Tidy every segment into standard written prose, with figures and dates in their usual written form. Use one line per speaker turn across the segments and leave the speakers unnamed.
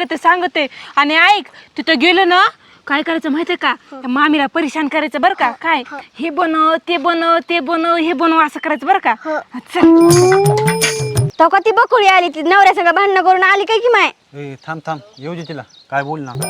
सांगते आणि ऐक तिथं गेलं ना काय करायचं माहितीये का त्या मामीला परेशान करायचं बरं का काय हे बनव ते बनव ते बनव हे बनव असं करायचं बरं का
तो का ती बकुळी आली ती नवऱ्या सगळं भांडणं करून आली काय की माय
थांब येऊ दे तिला काय बोल ना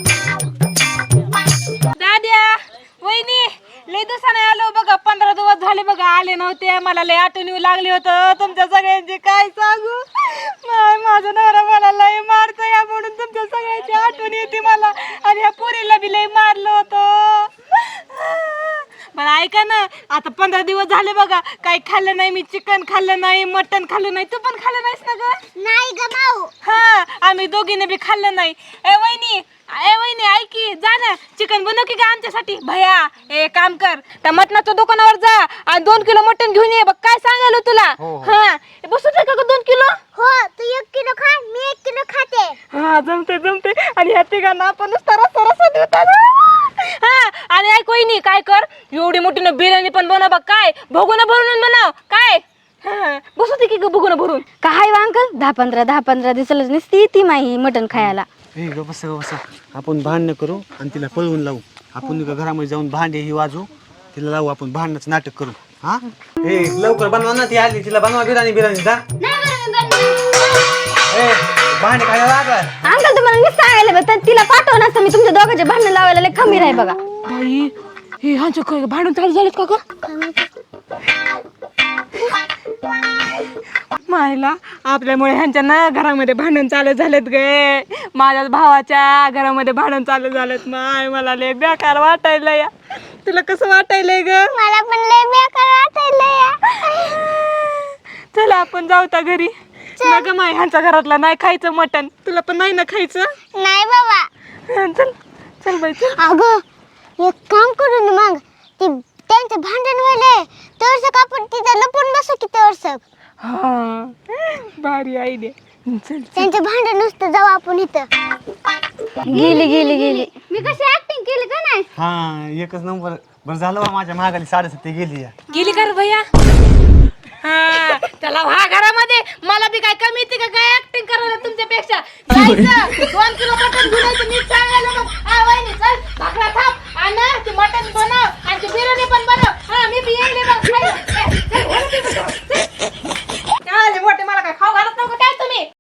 दाद्या वहिनी लय दिवसाने आलो बघा 15 दिवस झाले बघा आले नव्हते मला लय आठवण येऊ लागली होतं तुमच्या सगळ्यांची काय सांगू माझा नवरा मला लय मारतो या म्हणून तुमच्या सगळ्यांची आठवण येते मला आणि या पोरीला बी लय मारलं होतं पण ऐका ना आता 15 दिवस झाले बघा काही खाल्लं नाही मी चिकन खाल्लं नाही मटन खाल्लं नाही तू पण खाल्लं नाहीस ना ग
नाही ग माऊ
हा आम्ही दोघीने बी खाल्लं नाही ए वहिनी ऐकी जा ना चिकन बनव की का आमच्यासाठी भया ए काम कर त्या मटणाच्या दुकानावर जा आणि 2 किलो मटण घेऊन ये बघ काय सांगायला तुला हा बसू दे का 2 किलो
हो तू 1 किलो खा मी 1 किलो खाते
हा जमते आणि ह्या तिघांना आपण सरस देतात हा आणि ऐक वहिनी काय कर एवढी मोठी ना बिर्याणी पण बनव बघ काय भगोना भरून बनव काय बसू दे की भगोना भरून
काय वा अंकल 10-15 दिवसालाच नसती ती माही मटण खायला
बस आपण भांडणं करू आणि तिला पळवून लावू आपण घरामध्ये जाऊन भांडे ही वाजू तिला लावू आपण भांडणाचं नाटक करू हा लवकर बनवा ना ती आली तिला बनवा बिर्याणी जा भांडे खायला लागला
अंकल तुम्हाला मी सांगायला बघ तिला पाठव ना मी तुमच्या दोघांचे भांडण लावायला लय खमीर आहे बघा
बाई हे ह्यांचं काय भांडण चालू झालेत का ग मायला आपल्यामुळे ह्यांच्या ना घरामध्ये भांडण चालू झालेत गे माझ्या भावाच्या घरामध्ये भांडण चालू झालेत माय मला लय बेकार वाटायला या तुला कसं वाटायलंय ग
मला पण लय बेकार वाटायला
चला आपण जाऊ त्या घरी ग माय ह्यांच्या घरातला नाही खायचं मटण तुला पण नाही ना खायचं
नाही बाबा
चल बाई चल
अगं एक काम करू ना मग ती त्यांचं भांडण व्हायलंय तरसक आपण तिथं लपून बसू की तरसक
हा भारी आयडिया चल
त्यांचं भांडण नुसतं जाऊ आपण इथं गेली मी कशी ऍक्टिंग केली का नाही
हा एकच नंबर बरं झालं बा माझ्या महागाली 7.5
गेली का रे भैया हा चला हा घरामध्ये मला बी काय कमी येते का काय ऍक्टिंग करायला तुमच्यापेक्षा जायचं 2 किलो मटण घेऊन यायचं नीट सांगायला मग आ वहिनी चल भाकरा थाप आणि ते मटण बनव आणि ते बिर्याणी पण बनव हा मी बी येईल मग चल